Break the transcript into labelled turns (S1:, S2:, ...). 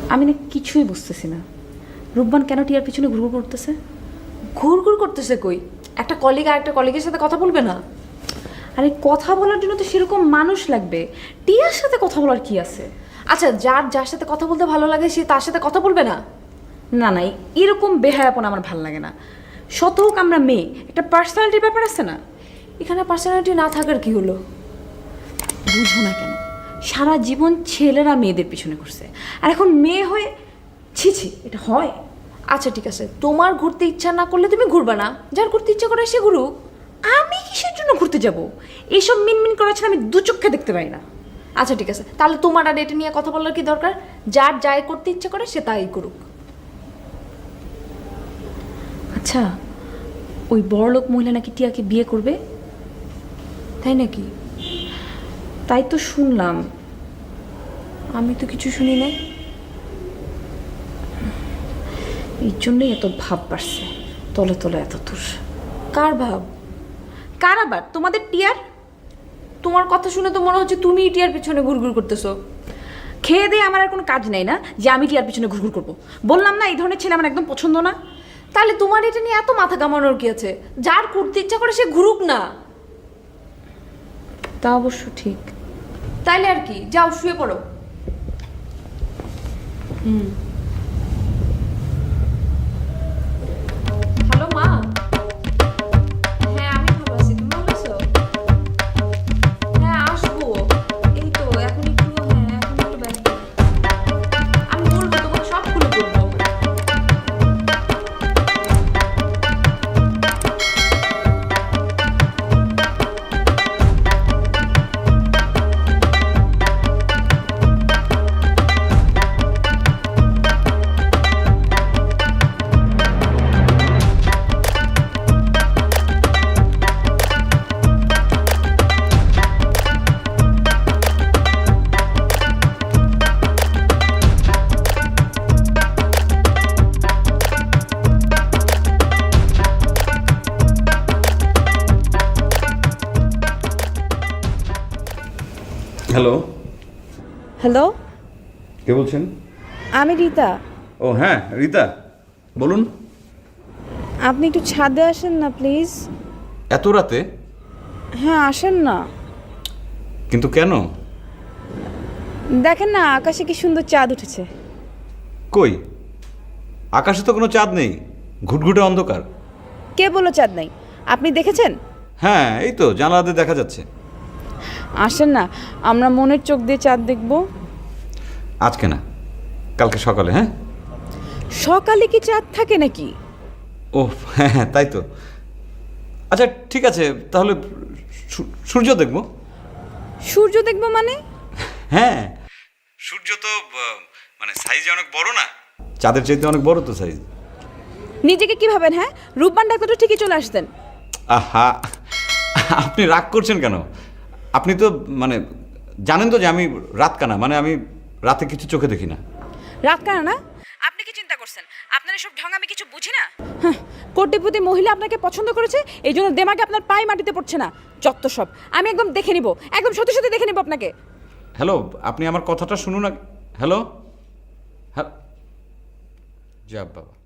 S1: আমি না কিছুই বুঝতেছি না, রূপবান কেন টিয়ার পিছনে ঘুরঘুর করতেছে?
S2: ঘুরঘুর করতেছে কই? একটা কলিগ আর একটা কলিগের সাথে কথা বলবে না?
S1: আরে কথা বলার জন্য তো সেরকম মানুষ লাগবে, টিয়ার সাথে কথা বলার কি আছে?
S2: আচ্ছা, যার সাথে কথা বলতে ভালো লাগে সে তার সাথে কথা বলবে না?
S1: না না, এরকম বেহায়াপন আমার ভালো লাগে না। শত হোক আমরা মেয়ে, একটা পার্সোনালিটির ব্যাপার আছে না?
S2: এখানে পার্সোনালিটি না থাকার কি হলো?
S1: বুঝো না কেন? সারা জীবন ছেলেরা মেয়েদের পিছনে ঘুরছে, আর এখন মেয়ে হয়ে ছি ছি, এটা হয়?
S2: আচ্ছা ঠিক আছে, তোমার ঘুরতে ইচ্ছা না করলে তুমি ঘুরবা না, যার ঘুরতে ইচ্ছা করে সে ঘুরুক।
S1: আমি কিসের জন্য ঘুরতে যাব? এইসব মিনমিন করা ছাড়া আমি দু চোখে দেখতে পাই না।
S2: আচ্ছা ঠিক আছে, তাহলে তোমার আর এটা নিয়ে কথা বলার কি দরকার? যার যাই করতে ইচ্ছা করে সে তাই করুক।
S1: আচ্ছা, ওই বড়লোক মহিলা নাকি টিয়াকে বিয়ে করবে?
S2: তাই নাকি?
S1: তাই তো শুনলাম।
S2: আমি তো কিছু শুনি নাই।
S1: এই জন্যই এত ভাব বাড়ছে, তলে তলে এত দূর।
S2: কার ভাব?
S1: কার আবার? তোমাদের টিয়ার।
S2: তোমার কথা শুনে তো মনে হচ্ছে তুমি টিয়ার পিছনে ঘুরঘুর করতেছো।
S1: খেয়ে দিয়ে আমার আর কোনো কাজ নেই না যে আমি টিয়ার পিছনে ঘুরঘুর করবো? বললাম না, এই ধরনের ছেলে আমার একদম পছন্দ না।
S2: তাহলে তোমার এটা নিয়ে এত মাথা কামানোর কি আছে? যার ঘুরতে ইচ্ছা করে সে ঘুরুক না।
S1: তা অবশ্য ঠিক।
S2: তাইলে আর কি, যাও শুয়ে পড়ো। হ্যালো মা। হ্যাঁ আমি ভালো আছি, তুমি ভালো আছো? হ্যাঁ আসবো, এই তো এখন একটু, হ্যাঁ এখন একটু ব্যস্ত। আমি বলবো তোমাকে, সব খুলে বলবো।
S3: হ্যালো,
S4: হ্যালো,
S3: কে বলছেন?
S4: আমি রীতা।
S3: ও হ্যাঁ, রীতা বলুন।
S4: আপনি একটু ছাদে আসেন না প্লিজ।
S3: এত রাতে?
S4: হ্যাঁ আসেন না।
S3: কিন্তু কেন?
S4: দেখেন না আকাশে কি সুন্দর চাঁদ উঠেছে।
S3: কই, আকাশে তো কোনো চাঁদ নেই, ঘুটঘুটে অন্ধকার।
S4: কে বললো চাঁদ নাই? আপনি দেখেছেন?
S3: হ্যাঁ এই তো জানালাতে দেখা যাচ্ছে।
S4: আসেন না, আমরা মনের চোখ দিয়ে চাঁদ দেখব।
S3: আজকে না, কালকে সকালে। হ্যাঁ
S4: সকালে কি চাঁদ থাকে নাকি?
S3: ও হ্যাঁ হ্যাঁ তাই তো। আচ্ছা ঠিক আছে, তাহলে সূর্য দেখব।
S4: সূর্য দেখব মানে?
S3: হ্যাঁ সূর্য তো মানে সাইজে অনেক বড় না, চাঁদের চাইতে অনেক বড় তো সাইজ।
S4: নিজেকে কি ভাবেন? হ্যাঁ, রূপবান ডাক্তার তো ঠিকই চলে আসতেন।
S3: আহা, আপনি রাগ করছেন কেন? আপনি তো মানে জানেন তো যে আমি রাত কানা, মানে আমি রাতে কিছু চোখে দেখি না।
S4: রাত কানা না? আপনি কি চিন্তা করছেন আপনার এসব ঢং আমি কিছু বুঝি না? হ্যাঁ, কোটিপতি মহিলা আপনাকে পছন্দ করেছে, এই জন্য দেমাগে আপনার পায়ে মাটিতে পড়ছে না। যত সব, আমি একদম দেখে নিব, একদম সত্যি সত্যি দেখে নিব আপনাকে।
S3: হ্যালো, আপনি আমার কথাটা শুনুন না। হ্যালো হ্যাঁ, যা বাবা।